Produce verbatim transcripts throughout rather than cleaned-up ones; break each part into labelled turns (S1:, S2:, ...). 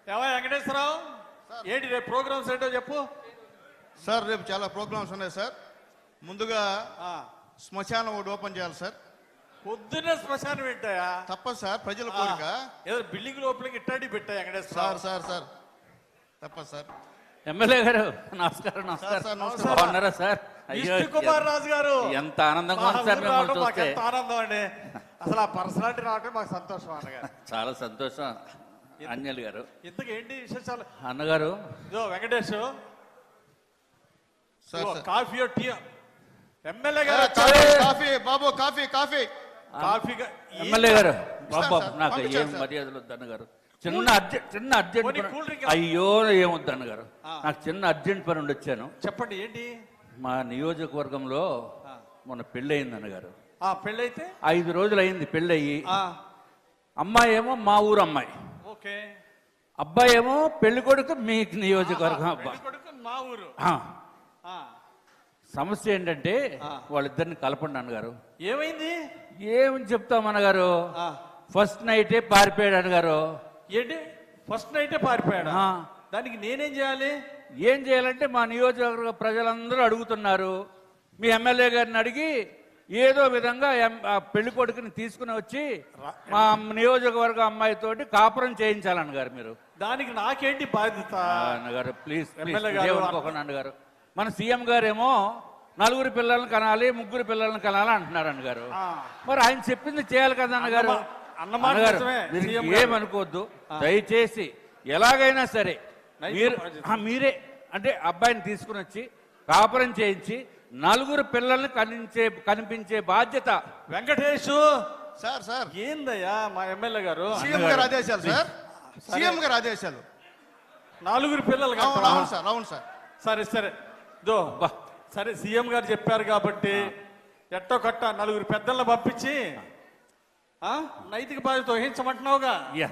S1: ఏమో వెంకటేశ్వరరావు, ఏంటి రేపు ప్రోగ్రామ్స్ ఏంటో చెప్పు.
S2: సార్ రేపు చాలా ప్రోగ్రామ్స్ ఉన్నాయి సార్. ముందుగా శ్మశానం ఒకటి ఓపెన్ చేయాలి సార్.
S1: పొద్దున్నే శ్మశానం పెట్టాయా?
S2: తప్పదు సార్, ప్రజల కోరిక.
S1: ఏదో బిల్డింగ్ లోపలికి ఇట్టాడి పెట్టాయి వెంకటేశ్వర
S2: సార్. సార్ సార్ తప్పదు సార్.
S3: ఎమ్మెల్యే గారు నమస్కారం. నమస్కారం. బాగున్నారా సార్?
S1: విష్ణు కుమార్ రాజు గారు,
S3: ఎంత ఆనందంగా ఉంది సార్ మిమ్మల్ని చూస్తే.
S1: ఎంత ఆనందం అండి, అసలు ఆ పర్సనాలిటీ రావటం మాకు సంతోషం అన్నగారు.
S3: చాలా సంతోషం అంజలి గారు.
S1: ఇంతకు ఏంటి విశేషాలు
S3: అన్నగారు?
S1: ఇదో వెంకటేష్ కాఫీ టీ. ఎమ్మెల్యే గారు
S2: కాఫీ బాబు, కాఫీ కాఫీ
S1: కాఫీ.
S3: ఎమ్మెల్యే గారు బాబు, నాకు ఏం మర్యాదలు వద్దు అన్నగారు. చిన్న అర్జెంట్ చిన్న అర్జెంట్ అయ్యో ఏమొద్దు అన్నగారు, నాకు చిన్న అర్జెంట్ పని ఉండి వచ్చాను.
S1: చెప్పండి ఏంటి?
S3: మా నియోజకవర్గంలో మొన్న పెళ్ళి అయింది అన్నగారు.
S1: పెళ్ళైతే
S3: ఐదు రోజులు అయింది పెళ్ళయ్యి. అమ్మాయి ఏమో మా ఊరు అమ్మాయి,
S1: ఓకే.
S3: అబ్బాయి ఏమో పెళ్లి కొడుకు మీ నియోజకవర్గం అబ్బాయి,
S1: మా ఊరు.
S3: సమస్య ఏంటంటే వాళ్ళిద్దరిని కలపండి అన్నగారు.
S1: ఏమైంది?
S3: ఏమని చెప్తాం అన్నగారు, ఫస్ట్ నైటే పారిపోయాడు అన్నగారు.
S1: ఏంటి ఫస్ట్ నైటే పారిపోయాడు? దానికి నేనేం చేయాలి?
S3: ఏం చేయాలంటే మా నియోజకవర్గ ప్రజలందరూ అడుగుతున్నారు, మీ ఎమ్మెల్యే గారిని అడిగి ఏదో విధంగా పెళ్లి కొడుకుని తీసుకుని వచ్చి మా నియోజకవర్గ అమ్మాయితోటి కాపురం చేయించాలన్నగారు మీరు.
S1: దానికి నాకేంటి బాధ్యత
S3: అన్నగారు? ప్లీజ్ ఏమనుకోకండి అన్నగారు. మన సీఎం గారేమో నలుగురు పిల్లల్ని కనాలి, ముగ్గురు పిల్లల్ని కనాలి అంటున్నారు అన్నగారు. మరి ఆయన చెప్పింది చేయాలి కదా అన్నగారు. అన్నగారు మీరు ఏమనుకోవద్దు దయచేసి, ఎలాగైనా సరే మీరు మీరే అంటే అబ్బాయిని తీసుకుని వచ్చి కాపురం చేయించి నలుగురు పిల్లల్ని కనిపించే కనిపించే బాధ్యత
S1: వెంకటేష్.
S2: సార్ సార్
S1: ఏందయ్యా మా ఎమ్మెల్యే గారు?
S2: సీఎం గారు ఆదేశాలు సార్, సీఎం గారు ఆదేశాలు.
S1: నలుగురు పిల్లలు
S2: అవును సార్, అవును సార్.
S1: సరే సరే దో సరే, సీఎం గారు చెప్పారు కాబట్టి ఎట్టో కట్ట నలుగురు పెద్దలను పంపించి నైతిక బాధ్యత వహించమంటున్నావుగా.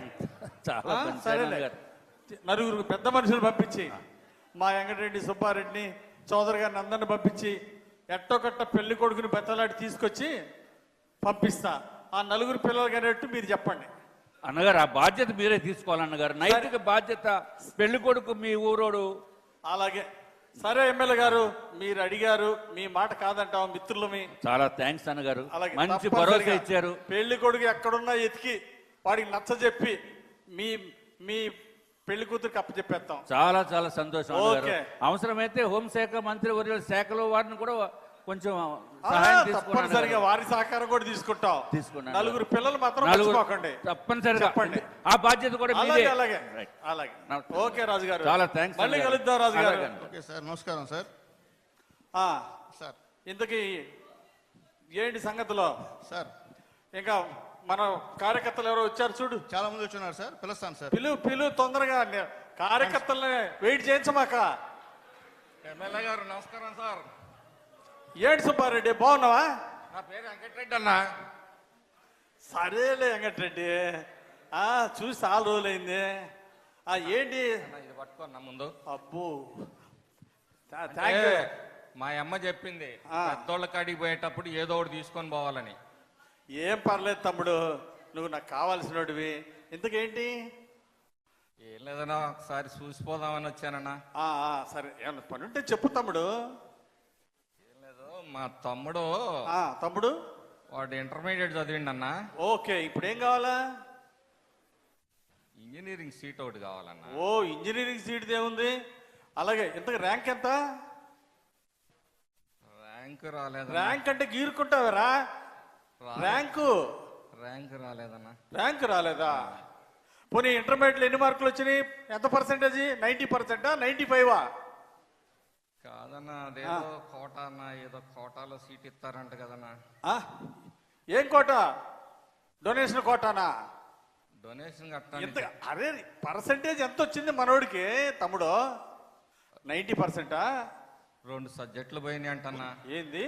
S1: సరేలే, నలుగురు పెద్ద మనుషులు పంపించి మా వెంకటరెడ్డి సుబ్బారెడ్డిని చౌదరి గారిని అందరిని పంపించి ఎట్టో కట్ట పెళ్లి కొడుకుని బెత్తలాడి తీసుకొచ్చి పంపిస్తా. ఆ నలుగురు పిల్లలు కనేట్టు మీరు చెప్పండి
S3: అన్నగారు. ఆ బాధ్యత మీరే తీసుకోవాలన్నగారు, నైతిక బాధ్యత. పెళ్లి కొడుకు మీ ఊరోడు.
S1: అలాగే సరే ఎమ్మెల్యే గారు, మీరు అడిగారు, మీ మాట కాదంటాం మిత్రులమి.
S3: చాలా థ్యాంక్స్ అన్నగారు, మంచి భరోసా ఇచ్చారు.
S1: పెళ్లి కొడుకు ఎక్కడున్నా ఎతికి వాడికి నచ్చ చెప్పి మీ మీ పెళ్లి కూతురికి అప్పచెప్పేస్తాం.
S3: చాలా చాలా సంతోషం. అవసరమైతే హోంశాఖ మంత్రి వర్యుల శాఖలో వారిని కూడా కొంచెం
S1: తప్పనిసరిగా వారి సహకారం కూడా తీసుకుంటాం. తీసుకున్నాం. నలుగురు పిల్లలు మాత్రం మర్చిపోకండి
S3: తప్పనిసరిగా. చెప్పండి ఆ బాధ్యత కూడా మీదే.
S1: అలాగే అలాగే. ఓకే రాజు గారు,
S3: చాలా థ్యాంక్స్.
S1: మళ్ళీ కలుద్దాం రాజు గారు.
S2: ఓకే సార్, నమస్కారం సార్.
S1: సార్ ఇంతకీ ఏంటి సంగతిలో
S2: సార్?
S1: ఇంకా మన కార్యకర్తలు ఎవరో వచ్చారు చూడు.
S2: చాలా మంది వచ్చున్నారు సార్, పిలుస్తాను సార్.
S1: పిలు పిలు తొందరగా, కార్యకర్తల్ని వెయిట్ చేయించమాక.
S4: ఎమ్మెల్యే గారు నమస్కారం సార్.
S1: ఏంటి సుబ్బారెడ్డి, బాగున్నావా?
S4: నా పేరు వెంకటరెడ్డి అన్న.
S1: సరేలే వెంకటరెడ్డి, చూసి చాలా రోజులైంది. ఏంటి
S4: ఇది పట్టుకున్నా ముందు.
S1: అబ్బో
S4: మా అమ్మ చెప్పింది పెద్దోళ్ళ కాడికి పోయేటప్పుడు ఏదో ఒకటి తీసుకొని పోవాలని.
S1: ఏం పర్లేదు తమ్ముడు, నువ్వు నాకు కావాల్సినవి. ఇంతకేంటి?
S4: ఏం లేదన్నా, ఒకసారి చూసిపోదామని వచ్చానన్నా.
S1: సరే, ఏమన్నా పని ఉంటే చెప్పు తమ్ముడు.
S4: ఏం లేదు, మా తమ్ముడు
S1: తమ్ముడు
S4: వాడు ఇంటర్మీడియట్ చదివిండి అన్న.
S1: ఓకే, ఇప్పుడు ఏం కావాలా?
S4: ఇంజనీరింగ్ సీట్ ఒకటి కావాలన్నా.
S1: ఓ ఇంజనీరింగ్ సీట్ ఏముంది? అలాగే, ఇంతకు ర్యాంక్ ఎంత?
S4: ర్యాంక్ రాలేదు.
S1: ర్యాంక్ అంటే గీరుకుంటావరా? ర్యాంకు
S4: ర్యాంక్ రాలేదన్నా.
S1: ర్యాంక్ రాలేదా? పోనీ ఇంటర్మీడియట్లో ఎన్ని మార్కులు వచ్చినాయి? ఎంత పర్సెంటేజ్? నైన్టీ పర్సెంటా నైన్టీ ఫైవా?
S4: కాదన్నా, అదేదో కోటా అన్న, ఏదో కోటాలో సీట్ ఇస్తారంట కదన్నా.
S1: ఏం కోటా? డొనేషన్ కోటానా?
S4: డొనేషన్ కట్టాలి.
S1: అరే పర్సెంటేజ్ ఎంత వచ్చింది మనోడికి తమ్ముడు? నైన్టీ పర్సెంటా?
S4: రెండు సబ్జెక్టులు పోయినాయి అంటన్నా.
S1: ఏంది?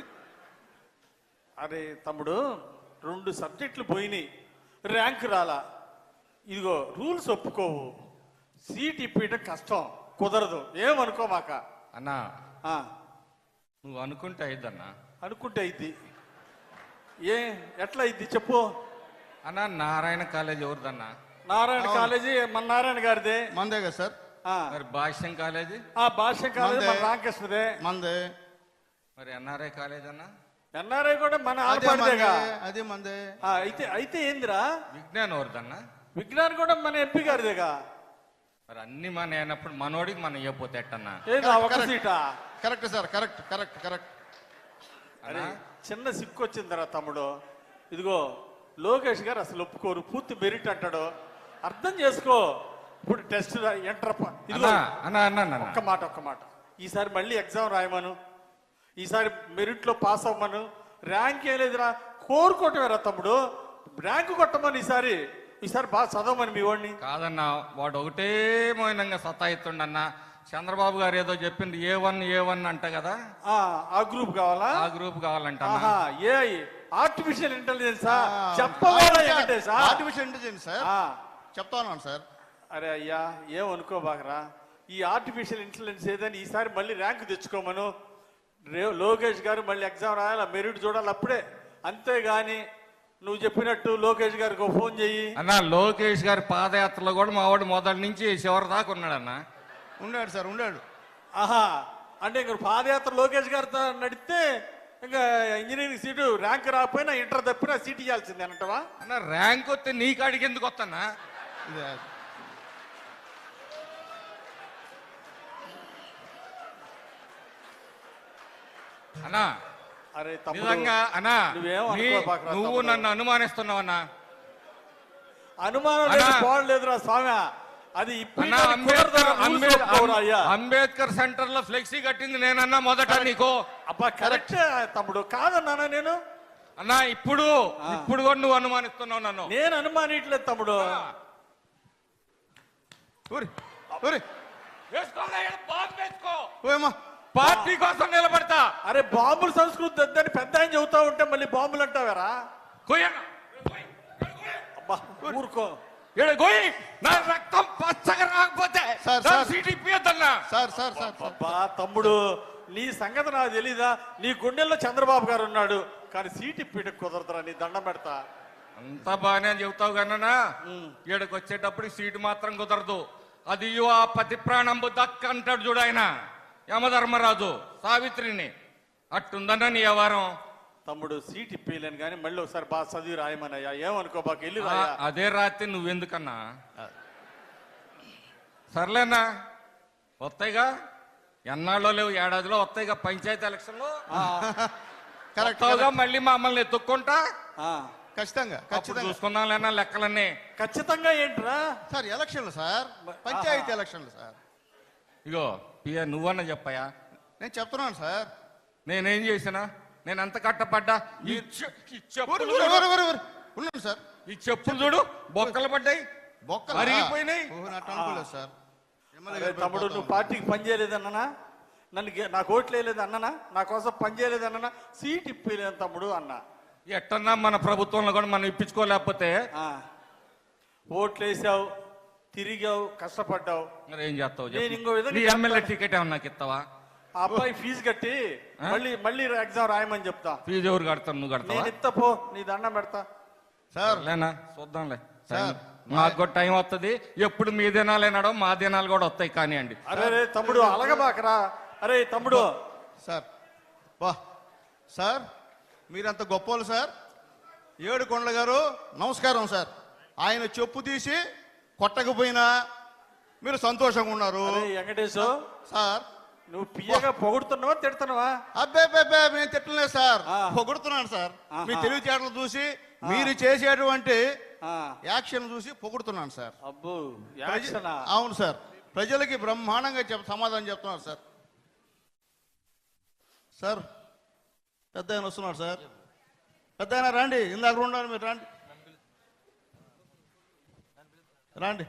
S1: అరే తమ్ముడు, రెండు సబ్జెక్టులు పోయినాయి, ర్యాంక్ రాలా. ఇదిగో రూల్స్ ఒప్పుకోవు, సీట్ ఇప్పించడం కష్టం, కుదరదు. ఏమనుకో మాక
S4: అన్నా. నువ్వు అనుకుంటే అయిద్దన్నా.
S1: అనుకుంటే అయింది. ఏ ఎట్లా అయింది చెప్పు
S4: అన్నా? నారాయణ కాలేజ్ ఎవరిదన్నా?
S1: నారాయణ
S2: అవును.
S1: కాలేజీ మన నారాయణ గారిదే.
S2: మందే కదా సార్.
S1: ఆ,
S4: మరి భాష్యం కాలేజీ
S1: ఆ భాష్యం కాలేజీ మన
S2: మందే.
S1: రామకృష్ణదే.
S2: మందే.
S4: మరి ఎన్ఆర్ఐ కాలేజ్ అన్న
S1: ఎన్ఆర్ఐ కూడా మన
S2: అదే మందే.
S1: ఆడపడిదేగా.
S2: అదే మందే.
S1: ఆ, అయితే అయితే ఏందిరా,
S4: విజ్ఞాన్ ఎవరిదన్న
S1: విజ్ఞాన్ కూడా మన ఎంపీ గారిదేగా.
S4: మరి అన్ని మన అయినప్పుడు మనోడికి మనం ఇవ్వపోతే ఎట్టన్నా
S1: ఏంది ఆ ఒక్క
S2: కరెక్ట్.
S1: సీటా?
S2: Correct sir. Correct correct correct.
S1: అరే
S4: అన్నా?
S1: చిన్న సిక్కు వచ్చిందిరా తమ్ముడు. ఇదిగో లోకేష్ గారు అసలు ఒప్పుకోరు, పూర్తి మెరిట్ అంటాడు. అర్థం చేసుకో. ఇప్పుడు టెస్ట్ ఎంటర్ ఇదిగో
S4: అన్నా అన్నా అన్నా అన్నా
S1: ఒక్క మాట ఒక్క మాట ఈసారి మళ్ళీ ఎగ్జామ్ రాయమను, ఈసారి మెరిట్ లో పాస్ అవ్వమను. ర్యాంక్ ఏం లేదురా, కోరుకోవటమేరా తమ్ముడు. ర్యాంక్ కొట్టమని ఈసారి ఈసారి బాగా చదవమని మీ వాడిని.
S4: కాదన్నా వాడు ఒకటే మౌనంగా సతాయిస్తుండన్నా. చంద్రబాబు గారు ఏదో చెప్పింది ఏ వన్ ఏ వన్ అంట కదా,
S1: ఆ, ఆ గ్రూప్ కావాలా?
S4: ఆ గ్రూప్ కావాలంట
S1: ఆహా, ఏ ఆర్టిఫిషియల్ ఇంటెలిజెన్సా? చెప్పవాలా వెంకటేశా?
S2: Artificial intelligence sir.
S1: ఆ,
S2: చెప్తా ఉన్నాను సార్.
S1: అరే అయ్యా ఏమనుకోబాకరా. ఈ ఆర్టిఫిషియల్ ఇంటెలిజెన్స్ ఏదని ఈసారి మళ్ళీ ర్యాంక్ తెచ్చుకోమను. రే లోకేష్ గారు మళ్ళీ ఎగ్జామ్ రాయాలి, మెరిట్ చూడాలి అప్పుడే. అంతేగాని నువ్వు చెప్పినట్టు లోకేష్ గారికి ఒక ఫోన్ చెయ్యి.
S4: అన్నా లోకేష్ గారి పాదయాత్రలో కూడా మా వాడు మొదటి నుంచి చివరి దాకా ఉన్నాడన్నా.
S2: ఉండాడు సార్. ఉండాడు.
S1: ఆహా, అంటే ఇంక పాదయాత్ర లోకేష్ గారితో నడిస్తే ఇంకా ఇంజనీరింగ్ సీటు ర్యాంక్ రాకపోయినా ఇంటర్ తప్పినా సీట్ ఇవ్వాల్సిందే అంటవా?
S4: అన్న ర్యాంక్ వస్తే నీ కాడికి ఎందుకు వస్తానా?
S2: ఇదే.
S4: అన్నా
S1: అరే తమ్ముడు,
S4: నిజంగా అన్నా
S1: నువ్వేం
S4: నీ-
S1: అనుకోబాకురా
S4: నువ్వు
S1: తమ్ముడు.
S4: నన్ను అనుమానిస్తున్నావన్నా.
S1: అనుమానం లేదు,
S4: అన్నా.
S1: పోవట్లేదురా స్వామి. అది ఇప్పుడు
S4: అన్నా అంబేద్కర్ అంబేద్- అంబేద్కర్ సెంటర్ లో ఫ్లెక్సీ కట్టింది నేనన్నా మొదట నీకు.
S1: అబ్బా కరెక్ట్ తమ్ముడు, కాదన్నానా నేను?
S4: అన్నా ఇప్పుడు ఇప్పుడు కూడా నువ్వు అనుమానిస్తున్నావు నన్ను.
S1: నేను అనుమానిట్లేదు తమ్ముడు.
S2: ఊరి ఊరి
S4: వేసుకోలే, ఈడ బాంబు వేసుకో.
S2: ఓయమ్మా.
S4: పార్టీ కోసం నిలబడతా.
S1: అరే బాంబుల సంస్కృతి వద్దని పెద్ద ఆయన చెబుతా ఉంటే మళ్ళీ బాంబులు అంటావారా?
S4: కొయ్యను.
S1: అబ్బా ఊరుకో.
S4: ఈడ కొయ్యి. నా రక్తం పచ్చగా రాకపోతే
S2: సార్,
S4: నా
S2: సార్.
S4: సీట్ ఇప్పియద్దన్నా.
S2: Sir sir sir sir.
S1: అబ్బా తమ్ముడు, నీ సంగతి నాకు తెలీదా? నీ గుండెల్లో చంద్రబాబు గారు ఉన్నాడు, కానీ సీట్ ఇప్పిట కుదరదురా. నీ దండం పెడతా.
S4: అంతా బాగానే చెబుతావు కన్నా
S1: ఉమ్.
S4: ఈడకి వచ్చేటప్పుడు సీటు మాత్రం కుదరదు. అది ఇయ్యు ఆ పతి ప్రాణంబు దక్క అంటాడు చూడు ఆయన యమధర్మరాజు సావిత్రిని. అట్టుందన్న నీ వ్యవహారం.
S1: తమ్ముడు సీట్ ఇప్పలేను కానీ మళ్ళీ ఒకసారి బాగా చదివి రాయమనయ్యా. ఏమనుకో బాగా వెళ్ళి
S4: ఆ,
S1: రాయా.
S4: అదే రాత్రి నువ్వెందుకన్నా? సర్లేనా వస్తాయిగా, ఎన్నాళ్ళో లేవు ఏడాదిలో వస్తాయిగా పంచాయతీ ఎలక్షన్లో.
S2: కరెక్ట్
S4: వస్తావుగా మళ్ళీ మమ్మల్ని ఎత్తుక్కుంటా.
S1: ఆ,
S2: ఖచ్చితంగా
S4: అప్పుడు
S2: ఖచ్చితంగా
S4: చూసుకుందాం లేనా లెక్కలన్నీ.
S1: ఖచ్చితంగా ఏంట్రా?
S2: సార్. ఎలక్షన్లు సార్. పంచాయతీ ఎలక్షన్లు సార్.
S4: ఇగో పియ నువ్వన్నా చెప్పయా,
S2: నేను చెప్తున్నాను సార్.
S4: నేనేం చేసినా? నేను ఎంత కట్టపడ్డా? ఈ చె- ఈ
S2: ఊరి
S4: చెప్పులు
S2: ఊరి
S4: చూడు.
S2: ఊరి ఊరి ఊరి. ఉన్నాను సార్.
S4: ఈ చెప్పులు చూడు బొక్కలు పడ్డాయి,
S2: బొక్కలు
S4: అరిగిపోయినాయి.
S2: అట్లా అనుకోలేదు సార్. ఎమ్మెల్యే
S1: అరే
S2: గారు
S1: తమ్ముడు,
S2: పోతా
S1: నువ్వు
S2: ఉన్నారు.
S1: పార్టీకి పని చేయలేదన్నా, నన్ను గే- నాకు ఓట్లు వేయలేదు అన్ననా, నా కోసం పని చేయలేదన్నా, సీట్ ఇప్పలేను తమ్ముడు అన్నా.
S4: ఎట్టన్నా మన ప్రభుత్వంలో కూడా మనం ఇప్పించుకోలేకపోతే
S1: ఆ, ఓట్లు వేసావు, తిరిగావు, కష్టపడ్డావు.
S4: మరి ఏం చేస్తావు
S1: నేను ఇంకో
S4: చెప్పు.
S1: విధంగా
S4: నీ ఎమ్మెల్యే టికెట్ ఏమన్నా నాకు ఇస్తావా?
S1: ఆ అబ్బాయి ఫీజు కట్టి మళ్ళీ మళ్ళీ ఎగ్జామ్ రాయమని చెప్తా.
S4: ఫీజు ఎవరు కడతాను? నువ్వు కడతావా?
S1: నేను ఇస్తా పో, నీ దండం పెడతా.
S2: సార్
S4: లేనా చూద్దాంలే.
S2: సార్,
S4: మాకు కూడా టైం వస్తుంది. ఎప్పుడు మీ దినాలేనాడో మా దినాలు కూడా వస్తాయి కానివ్వండి.
S1: అరే రే తమ్ముడు అలగబాకరా. అరే తమ్ముడు,
S2: సార్ వా సార్, మీరంత గొప్పోళ్ళు సార్. ఏడు కొండల గారు నమస్కారం సార్. ఆయన చెప్పు తీసి కొట్టకపోయినా మీరు సంతోషంగా ఉన్నారు
S1: అరే వెంకటేశు,
S2: సార్.
S1: నువ్వు పియ్యగా పొగుడుతున్నావా తిడుతున్నావా?
S2: అబ్బే అబ్బే నేను తిట్టలేదు సార్,
S1: ఆ.
S2: పొగుడుతున్నాను సార్.
S1: ఆహా.
S2: మీ తెలివితేటలు చూసి మీరు చేసేటువంటి
S1: ఆ,
S2: యాక్షన్ చూసి పొగుడుతున్నాను సార్.
S1: అబ్బో
S2: ప్రజ-
S1: యాక్షనా?
S2: అవును సార్. ప్రజలకి బ్రహ్మాండంగా చెప్ సమాధానం చెప్తున్నారు సార్. సార్ పెద్ద ఆయన వస్తున్నాడు సార్. పెద్ద ఆయన రండి, ఇందాక ఉండాలి మీరు రండి రండి.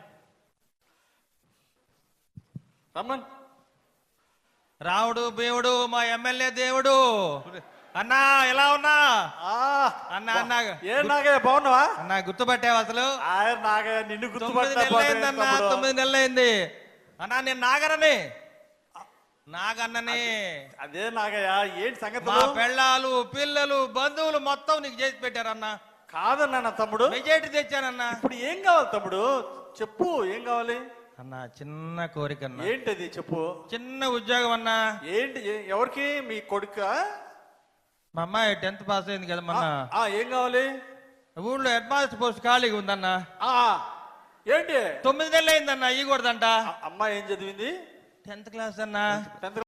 S1: రమ్మన్.
S5: రాముడు దేవుడు మా ఎమ్మెల్యే దేవుడు. అన్నా ఎలా ఉన్నా?
S1: ఆ,
S5: అన్నా అన్నా
S1: ఏ నాగయ్య బాగున్నావా?
S5: అన్నా గుర్తుపట్టావు అసలు?
S1: ఆయన నాగయ్య నిన్ను
S5: తొమ్మిది
S1: గుర్తుపట్టా
S5: నెలలు అయిందన్నా, తొమ్మిది నెలలు అయింది అన్నా. నేను నాగరని నాగన్నని.
S1: అదే నాగయ్య, ఏంటి సంగతి?
S5: మా పెళ్ళాలు పిల్లలు బంధువులు మొత్తం నీకు చేసి పెట్టారన్నా.
S1: కాదన్నా నా తమ్ముడు.
S5: మెజారిటీ తెచ్చానన్నా.
S1: ఇప్పుడు ఏం కావాలి తమ్ముడు? చెప్పు ఏం కావాలి?
S5: అన్న చిన్న కోరిక అన్న.
S1: ఏంటది చెప్పు.
S5: చిన్న ఉద్యోగం అన్నా.
S1: ఏంటి ఏ- ఎవరికి? మీ కొడుక?
S5: మా అమ్మాయి టెన్త్ పాస్ అయింది కదా మొన్న.
S1: ఆ ఏం కావాలి?
S5: ఊళ్ళో హెడ్ మాస్టర్ పోస్ట్ ఖాళీగా ఉందన్న.
S1: ఆ ఏంటి?
S5: తొమ్మిది నెలలు అయిందన్న, ఇవ్వకూడదంట.
S1: అమ్మాయి ఏం చదివింది?
S5: టెన్త్ క్లాస్ అన్న.
S1: టెన్త్